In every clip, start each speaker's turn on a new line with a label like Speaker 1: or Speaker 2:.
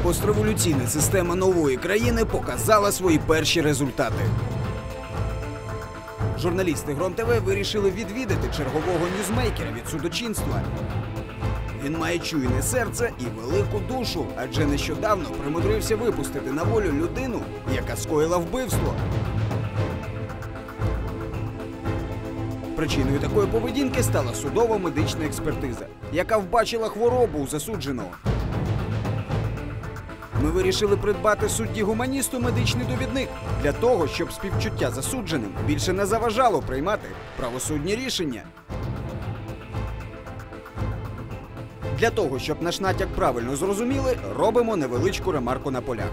Speaker 1: Постреволюційна система нової країни показала свої перші результати. Журналісти Гром ТВ вирішили відвідати чергового ньюзмейкера від судочинства. Він має чуйне серце і велику душу, адже нещодавно примудрився випустити на волю людину, яка скоїла вбивство. Причиною такої поведінки стала судова медична експертиза, яка вбачила хворобу у засудженого. Ми вирішили придбати судді-гуманісту медичний довідник для того, щоб співчуття засудженим більше не заважало приймати правосудні рішення. Для того, щоб наш натяк правильно зрозуміли, робимо невеличку ремарку на полях.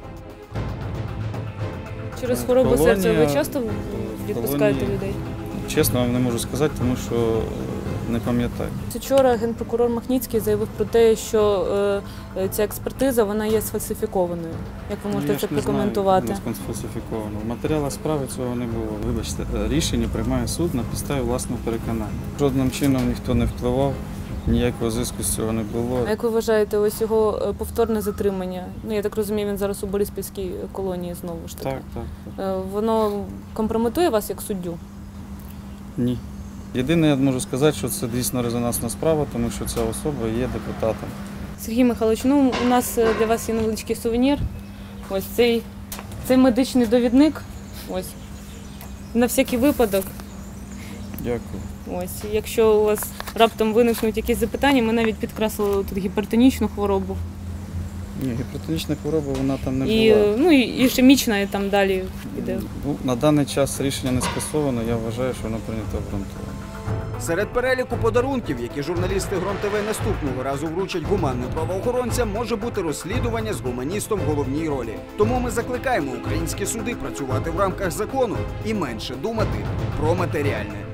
Speaker 2: Через хворобу серця ви часто відпускаєте людей?
Speaker 3: Чесно, вам не можу сказати, тому що не пам'ятаю.
Speaker 2: Вчора генпрокурор Махніцький заявив про те, що ця експертиза вона є сфальсифікованою. Як ви можете це прокоментувати?
Speaker 3: Я не сфальсифіковано. В матеріалах справи цього не було. Вибачте, рішення приймає суд на підставі власного переконання. Жодним чином ніхто не впливав, ніякого зиску з цього не було.
Speaker 2: А як ви вважаєте, ось його повторне затримання? Ну, я так розумію, він зараз у Бориспільській колонії знову ж таки.
Speaker 3: Так.
Speaker 2: Воно компрометує вас як суддю?
Speaker 3: Ні. Єдине, я можу сказати, що це дійсно резонансна справа, тому що ця особа є депутатом.
Speaker 2: Сергій Михайлович, ну у нас для вас є невеличкий сувенір. Ось цей медичний довідник. Ось. На всякий випадок.
Speaker 3: Дякую.
Speaker 2: Ось. Якщо у вас раптом виникнуть якісь запитання, ми навіть підкреслили тут гіпертонічну хворобу.
Speaker 3: Ні, гіпертонічна хвороба, вона там не була.
Speaker 2: Ну, і ішемічна, і там далі йде.
Speaker 3: На даний час рішення не скасовано, я вважаю, що воно прийнято обґрунтовано.
Speaker 1: Серед переліку подарунків, які журналісти Гром ТВ наступного разу вручать гуманним правоохоронцям, може бути розслідування з гуманістом в головній ролі. Тому ми закликаємо українські суди працювати в рамках закону і менше думати про матеріальне.